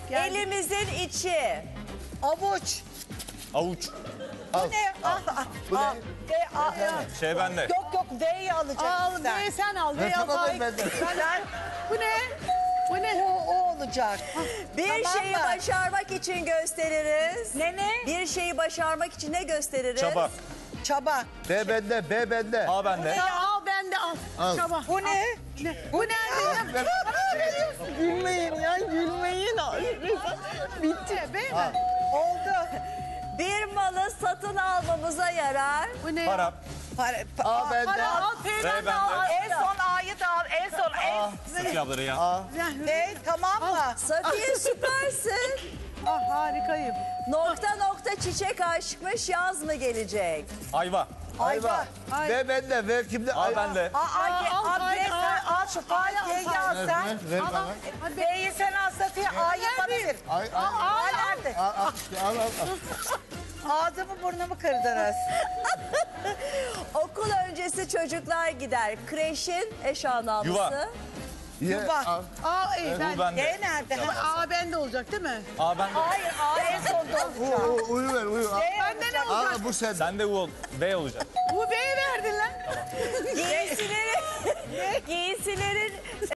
Elimizin içi. Avuç. Avuç. Bu ne? Bu ne? Şey bende. Yok V'yi alacaksın Al sen. B'yi sen al. B'yi al. Tamam, Faik. ben de. Sen Bu ne? Bu ne? o olacak. Bir Tamam şeyi mı? başarmak için gösteririz. Ne? Bir şeyi başarmak için ne gösteririz? Çaba. Çaba. B bende, B bende. A bende. Ya al ben de al. Al. Çaba. Bu ne? Bu nerede? Gülmeyin ya gülmeyin. Bitti be mi? Oldu. Bir malı satın almamıza yarar. Bu ne? Para. A bende. Para al. P R bende al. bende. En son A'yı da al. En son Safiye abları ya. A. Ne? Tamam mı? Safiye süpersin. Ah harikayım. Nokta nokta çiçek aşkmış, yaz mı gelecek? Ayva. Ayva. Ay. B bende, V kimde? A bende. Al şu F'yi al sen. Ver bana. B'yi sen al Safiye. A'yı bana ver. A nerede? Al. Ağzımı burnumu kırdınız. Okul öncesi çocuklar gider. Kreşin eş anlamlısı. Yuva. Yuva. Al. A iyi ben. U bende. D nerede? A bende olacak değil mi? A bende. Hayır A en sonda olacak. Uyu ver, uyu. Al. Bende ne olacak? Al bu sende. Sende U ol. B olacak. Bu B'yi verdin lan. Giysilerin